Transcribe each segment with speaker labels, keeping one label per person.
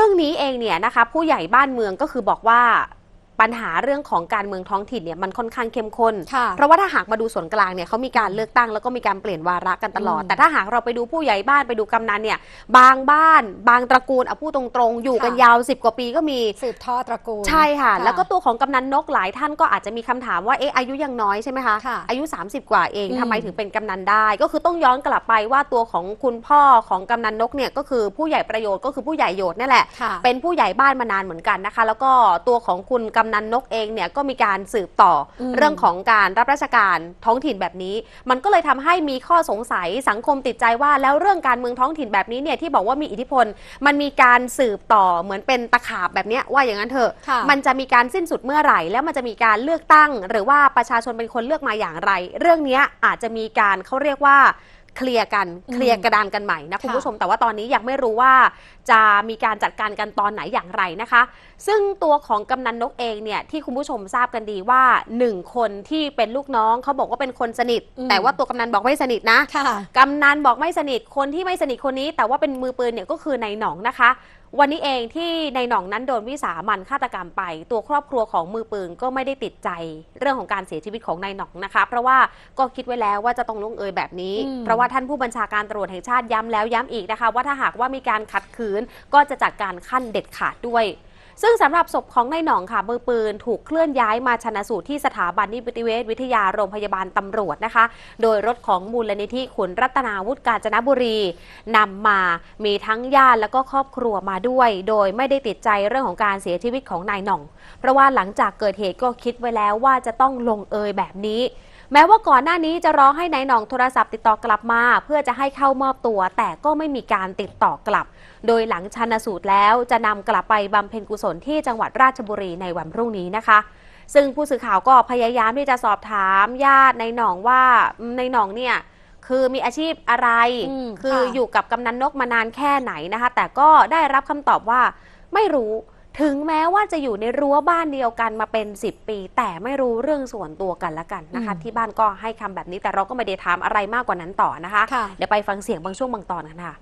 Speaker 1: รื่องนี้เองเนี่ยนะคะผู้ใหญ่บ้านเมืองก็คือบอกว่าปัญหาเรื่องของการเมืองท้องถิ่นเนี่ยมันค่อนข้างเข้มข้นเพราะว่าถ้าหากมาดูส่วนกลางเนี่ยเขามีการเลือกตั้งแล้วก็มีการเปลี่ยนวาระกันตลอดแต่ถ้าหากเราไปดูผู้ใหญ่บ้านไปดูกำนันเนี่ยบางบ้านบางตระกูลเอาพูดตรงๆอยู่กันยาว10 กว่าปีก็มี
Speaker 2: สืบทอดตระกูล
Speaker 1: ใช่ค่ะแล้วก็ตัวของกำนันนกหลายท่านก็อาจจะมีคำถามว่าอายุยังน้อยใช่ไหมคะอายุ30 กว่าเองทำไมถึงเป็นกำนันได้ก็คือต้องย้อนกลับไปว่าตัวของคุณพ่อของกำนันนกเนี่ยก็คือผู้ใหญ่ประโยชน์ก็คือผู้ใหญ่โยชน์นี่แหละเป็นผู้ใหญ่บ้านมานานเหมือนกันนะคะแล้วก็ตัวของคุณกำนันนกเองเนี่ยก็มีการสืบต่อเรื่องของการรับราชการท้องถิ่นแบบนี้มันก็เลยทำให้มีข้อสงสัยสังคมติดใจว่าแล้วเรื่องการเมืองท้องถิ่นแบบนี้เนี่ยที่บอกว่ามีอิทธิพลมันมีการสืบต่อเหมือนเป็นตะขาบแบบนี้ว่าอย่างนั้นเถอะมันจะมีการสิ้นสุดเมื่อไหร่แล้วมันจะมีการเลือกตั้งหรือว่าประชาชนเป็นคนเลือกมาอย่างไรเรื่องนี้อาจจะมีการเขาเรียกว่าเคลียร์กระดานกันใหม่นะคุณผู้ชมแต่ว่าตอนนี้ยังไม่รู้ว่าจะมีการจัดการกันตอนไหนอย่างไรนะคะซึ่งตัวของกำนันนกเองเนี่ยที่คุณผู้ชมทราบกันดีว่า1 คนที่เป็นลูกน้องเขาบอกว่าเป็นคนสนิทแต่ว่าตัวกำนันบอกไม่สนิทนะกำนันบอกไม่สนิทคนที่ไม่สนิทคนนี้แต่ว่าเป็นมือปืนเนี่ยก็คือนายหนองนะคะวันนี้เองที่นายหน่องนั้นโดนวิสามัญฆาตกรรมไปตัวครอบครัวของมือปืนก็ไม่ได้ติดใจเรื่องของการเสียชีวิตของนายหน่องนะคะเพราะว่าก็คิดไว้แล้วว่าจะต้องลงเอยแบบนี้เพราะว่าท่านผู้บัญชาการตำรวจแห่งชาติย้ำแล้วย้ำอีกนะคะว่าถ้าหากว่ามีการขัดขืนก็จะจัดการขั้นเด็ดขาดด้วยซึ่งสำหรับศพของนายหน่องค่ะมือปืนถูกเคลื่อนย้ายมาชันสูตรที่สถาบันนิติเวชวิทยาโรงพยาบาลตำรวจนะคะโดยรถของมูลนิธิขุนรัตนาวุฒิกาญจนบุรีนำมามีทั้งญาติแล้วก็ครอบครัวมาด้วยโดยไม่ได้ติดใจเรื่องของการเสียชีวิตของนายหน่องเพราะว่าหลังจากเกิดเหตุก็คิดไว้แล้วว่าจะต้องลงเอยแบบนี้แม้ว่าก่อนหน้านี้จะร้องให้นายหน่องโทรศัพท์ติดต่อกลับมาเพื่อจะให้เข้ามอบตัวแต่ก็ไม่มีการติดต่อกลับโดยหลังชันสูตรแล้วจะนำกลับไปบำเพ็ญกุศลที่จังหวัดราชบุรีในวันพรุ่งนี้นะคะซึ่งผู้สื่อข่าวก็พยายามที่จะสอบถามญาตินายหน่องว่านายหน่องเนี่ยคือมีอาชีพอะไรคืออยู่กับกำนันนกมานานแค่ไหนนะคะแต่ก็ได้รับคำตอบว่าไม่รู้ถึงแม้ว่าจะอยู่ในรั้วบ้านเดียวกันมาเป็น10 ปีแต่ไม่รู้เรื่องส่วนตัวกันละกันนะคะที่บ้านก็ให้คำแบบนี้แต่เราก็ไม่ได้ถามอะไรมากกว่านั้นต่อนะคะเดี๋ยวไปฟังเสียงบางช่วงบางตอนกันค่ะ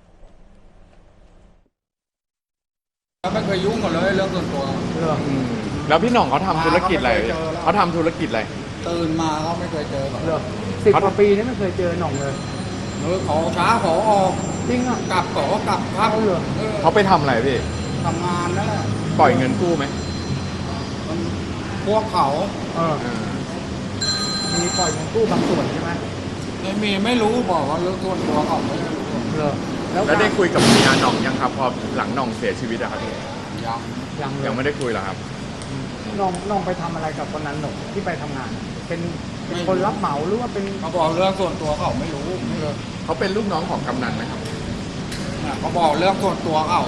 Speaker 3: ไม่เคยยุ่งกันเลยเรื่องส่วนตัว
Speaker 4: แล้วพี่หน่องเขาทำธุรกิจอะไรเขาทำธุรกิจอะไร
Speaker 3: ตื่นมาเขาไม่เคยเจอหรอก
Speaker 5: 10 กว่าปีนี่ไม่เคยเจอหน่องเลย
Speaker 3: ขอช้าขอออก
Speaker 5: จริงอ่ะ
Speaker 3: กลับขอกลับครับ
Speaker 4: เขาไปทำอะไรพี่
Speaker 3: ทำงานนั่นแหละ
Speaker 4: ปล่อยเงินกู้ไหม
Speaker 3: พวกเขา
Speaker 5: มีปล่อยเงินกู้บางส่วนใช่ไหม
Speaker 3: ไม่รู้บอกว่าเรื่องส่วนตัวเขาไม่รู้
Speaker 4: แล้วได้คุยกับเมียหน่องยังครับพอหลังหน่องเสียชีวิตอะครับพี่ยังไม่ได้คุยหรอครับ
Speaker 5: น้องไปทำอะไรกับคนนั้นหน่องที่ไปทำงานเป็นคนรับเหมาหรือว่าเป็น
Speaker 3: เขาบอกเรื่องส่วนตัวเขาไม่รู้
Speaker 4: เขาเป็นลูกน้องของกำนันไหมครับ
Speaker 3: เขาบอกเรื่องส่วนตัวเขา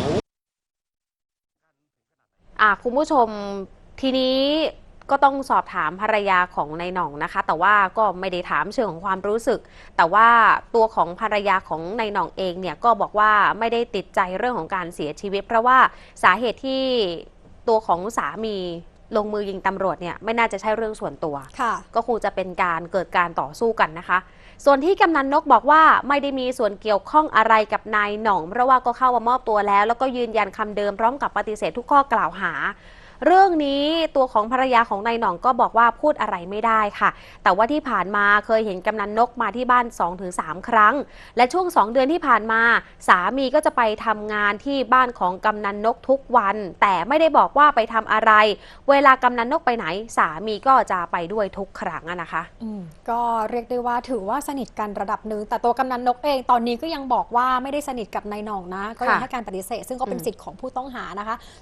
Speaker 1: คุณผู้ชมทีนี้ก็ต้องสอบถามภรรยาของนายหน่องนะคะแต่ว่าก็ไม่ได้ถามเชิงของความรู้สึกแต่ว่าตัวของภรรยาของนายหน่องเองเนี่ยก็บอกว่าไม่ได้ติดใจเรื่องของการเสียชีวิตเพราะว่าสาเหตุที่ตัวของสามีลงมือยิงตำรวจเนี่ยไม่น่าจะใช่เรื่องส่วนตัวก็คงจะเป็นการเกิดการต่อสู้กันนะคะส่วนที่กำนันนกบอกว่าไม่ได้มีส่วนเกี่ยวข้องอะไรกับนายหน่องเพราะว่าก็เข้ามามอบตัวแล้วก็ยืนยันคำเดิมพร้อมกับปฏิเสธทุกข้อกล่าวหาเรื่องนี้ตัวของภรรยาของนายหน่องก็บอกว่าพูดอะไรไม่ได้ค่ะแต่ว่าที่ผ่านมาเคยเห็นกำนันนกมาที่บ้าน 2-3 ครั้งและช่วง2 เดือนที่ผ่านมาสามีก็จะไปทำงานที่บ้านของกำนันนกทุกวันแต่ไม่ได้บอกว่าไปทำอะไรเวลากำนันนกไปไหนสามีก็จะไปด้วยทุกครั้งนะคะ
Speaker 2: ก็เรียกได้ว่าถือว่าสนิทกันระดับหนึ่งแต่ตัวกำนันนกเองตอนนี้ก็ยังบอกว่าไม่ได้สนิทกับนายหน่องนะก็ยังให้การปฏิเสธซึ่งก็เป็นสิทธิ์ของผู้ต้องหานะคะ